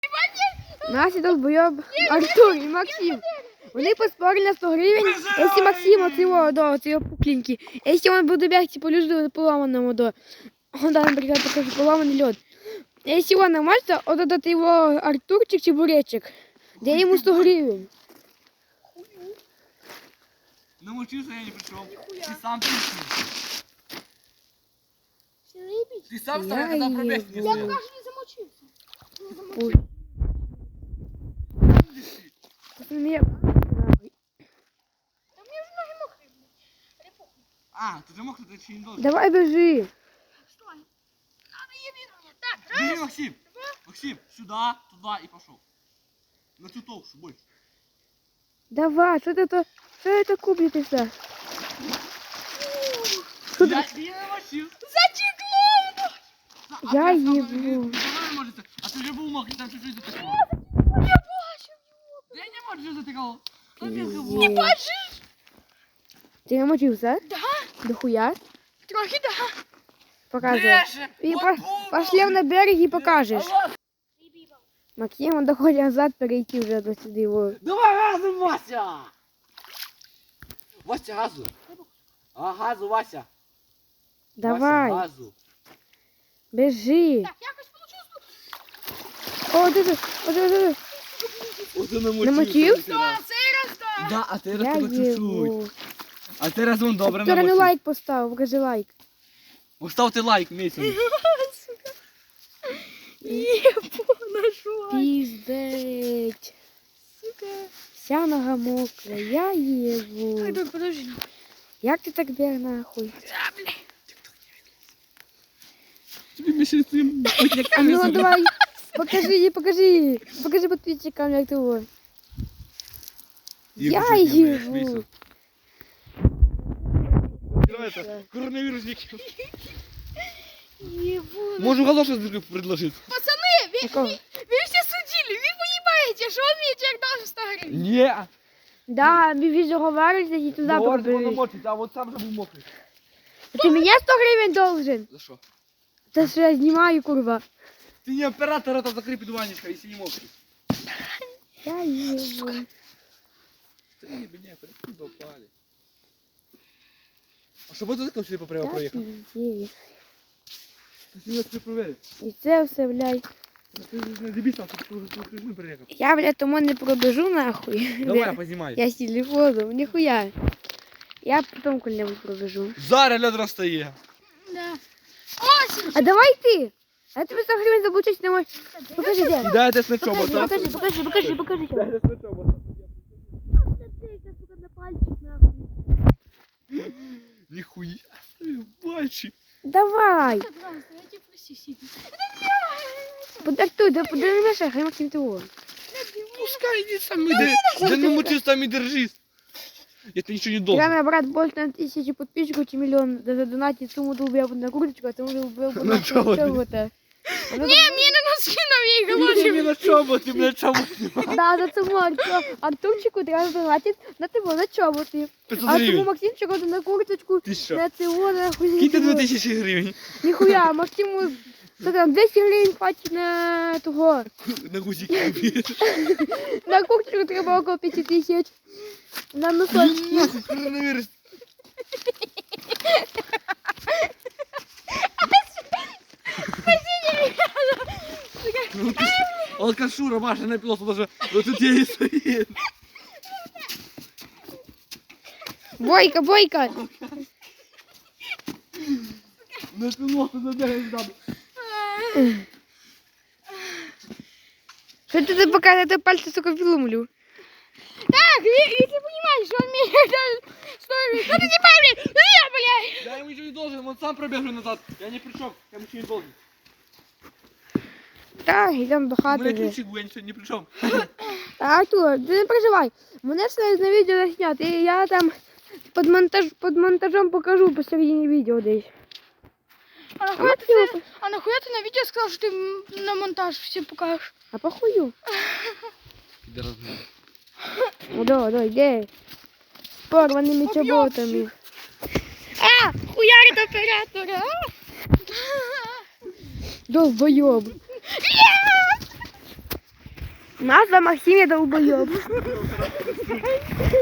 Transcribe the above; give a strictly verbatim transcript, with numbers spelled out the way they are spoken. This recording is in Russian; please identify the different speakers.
Speaker 1: Настя долбойоб, Артур і Максим. Вони поспорили на сто гривень, якщо Максим от його, до цього пухленький. Якщо він буде бігти по льоду поломаному, до, он даже, наприклад, покажу поломаний лед. Якщо він намажется, от этот его Артурчик чебуречек, де йому сто гривень.
Speaker 2: Намочился, я не пришел. Ты сам пришел. Ты сам вставай, когда пробег не
Speaker 3: Я
Speaker 2: сделал.
Speaker 3: пока что не замочился. Не замочился.
Speaker 1: Ой. Мне...
Speaker 3: Да мне уже ноги мокрые, блин. Или похуй.
Speaker 2: А, ты же мог, ты еще не должен.
Speaker 1: Давай бежи.
Speaker 3: Стой. Надо еби меня. Так,
Speaker 2: Бери, Максим. Максим, сюда, туда и пошел. На ту толщу, больше.
Speaker 1: Давай, что это, что это купится? Что
Speaker 2: Я,
Speaker 1: ты?
Speaker 2: я намочился.
Speaker 3: зачекло!
Speaker 2: А
Speaker 1: Я
Speaker 2: ты сказал,
Speaker 1: ебу.
Speaker 2: ты давай, может, а ты же был мокрый, там чуть-чуть затекало.
Speaker 3: Я бачу.
Speaker 2: Да я не могу, что затекало. Что ты
Speaker 1: Пиздец.
Speaker 2: сказал?
Speaker 3: Бачиш?
Speaker 1: Ты намочился?
Speaker 3: Да.
Speaker 1: Дохуя?
Speaker 3: Трохи да.
Speaker 1: Покажи.
Speaker 2: Леша,
Speaker 1: И
Speaker 2: вот
Speaker 1: по-
Speaker 2: бу-
Speaker 1: пошли на берег и покажешь.
Speaker 2: Алло.
Speaker 1: Максим, он доходит назад, перейти уже до сюда его.
Speaker 2: Давай газу, Вася! Вася, газу. А, газу, Вася.
Speaker 1: Давай,
Speaker 2: Вася, газу.
Speaker 1: бежи.
Speaker 3: Так, якось получилось.
Speaker 1: О, ты, ты, о, ты, ты,
Speaker 2: О, ти
Speaker 1: Намочився?
Speaker 3: Да, цей раз да.
Speaker 2: Да, а ти
Speaker 1: Я
Speaker 2: раз тебе чуть-чуть.
Speaker 1: ебу.
Speaker 2: А ти раз вон добре
Speaker 1: Артур, ну
Speaker 2: намочив.
Speaker 1: лайк поставил, покажи лайк.
Speaker 2: Поставте лайк, Митя.
Speaker 3: Ебу, нашла.
Speaker 1: Пиздеть.
Speaker 3: Сука.
Speaker 1: Вся нога мокрая, я ебу.
Speaker 3: Ай, так, подожди.
Speaker 1: Як ти так біг нахуй?
Speaker 3: Да, блин.
Speaker 2: Тобі більше цим
Speaker 1: А ну давай, покажи, покажи. Покажи подписчикам, як ти его. Я ебу.
Speaker 2: Коронавирусник.
Speaker 3: Ебу.
Speaker 2: Можу галошу предложити.
Speaker 3: Пацаны, вы,
Speaker 1: Якого?
Speaker 3: вы все судили, вы понимаете, что он мне человек должен сто гривен.
Speaker 2: Ні.
Speaker 1: Да, більше говориш, і туди пробіжиш.
Speaker 2: намочиться, а от сам же був мокрий.
Speaker 1: Ти мені сто гривень должен.
Speaker 2: За що?
Speaker 1: Це що я знімаю, курва.
Speaker 2: Ти не оператор, это закрий підвальничка, якщо не мокрий.
Speaker 1: Я ебу.
Speaker 2: Та ні, мене, прикинь, попали. А що, буде таке, що ти попрямо
Speaker 1: Я
Speaker 2: проїхав?
Speaker 1: пиздец.
Speaker 2: Ти не це провели.
Speaker 1: І це все, блядь.
Speaker 2: Ти ж не дебіл, ти ж не приїхав.
Speaker 1: Я, блядь, тому не пробежу нахуй.
Speaker 2: Давай, познімай.
Speaker 1: Я с телефоном, нихуя. Я потом коли-нибудь пробежу.
Speaker 2: Зараз лед розстає.
Speaker 3: Да. Осень.
Speaker 1: А давай ты! А я тебе сто гривен заблучить не можешь. Покажи, где?
Speaker 2: Кидайте с
Speaker 1: Покажи,
Speaker 2: ночобота.
Speaker 1: покажи, покажи, покажи, покажи.
Speaker 2: Кидайте с ночобота. Ніхуя. Бачи.
Speaker 1: Давай!
Speaker 3: Пожалуйста, я тебя проси сильно.
Speaker 1: Подартуй, да подержи, хай Максим того.
Speaker 2: Пускай иди сам иди. Да ну мучись там и держись. Я тебе ничего не должен.
Speaker 1: Когда брат больше на тысячу подписчиков, чем миллион, даже донатить сумму долбил бы на курточку, а ты уже убил бы
Speaker 2: На
Speaker 1: на
Speaker 2: чего ты?
Speaker 1: чего-то.
Speaker 3: Не, мне на носки на ей
Speaker 2: Ты
Speaker 3: голове.
Speaker 2: не на чоботи, на чоботи.
Speaker 1: Да, за цьому Арту- Артурчику треба донатить на тебе, на чоботи.
Speaker 2: пятьсот
Speaker 1: А цьому
Speaker 2: гривен.
Speaker 1: Максимчику на курточку,
Speaker 2: Ты что?
Speaker 1: на цього, нахуй.
Speaker 2: Киньте две тысячи гривен.
Speaker 1: Нихуя, Максиму, що там, двести гривень хватить на того.
Speaker 2: На гузики купи.
Speaker 1: На курточку треба около п'ять тисяч. На носочки.
Speaker 2: Нахуй, коронавирус. Ну ты ж- алкашура, Маша, на пилоту даже вот тут я и стоит.
Speaker 1: Бойка, бойка.
Speaker 2: На пилоту забегаешь там.
Speaker 1: Що ти тут показуєш? Я пальці, сука, виломлю.
Speaker 3: Так, е- если понимаешь, что он мне дал сто гривен. Ну ты не пойми, ну я, блядь.
Speaker 2: Я ему ничего не должен, он сам пробежал назад. Я ни при чем, я ему ничего не должен.
Speaker 1: Так, йдемо до
Speaker 2: У
Speaker 1: хати
Speaker 2: меня
Speaker 1: вже.
Speaker 2: ключик, я ничего ни при чем.
Speaker 1: Артур, ти не переживай. Мене все на відео заснято. І я там під, монтаж, під монтажом покажу посередині відео десь.
Speaker 3: А
Speaker 1: А
Speaker 3: нахуя, ты,
Speaker 1: Максиму,
Speaker 3: а нахуя ты на видео сказал, что ты м, на монтаж все покажешь?
Speaker 1: а похую.
Speaker 2: Пидорас, блин.
Speaker 1: Ну да, да, йде. З порваними чоботами.
Speaker 3: А, хуярит оператора.
Speaker 1: Долбойоб. Назва Максим я долбоёб.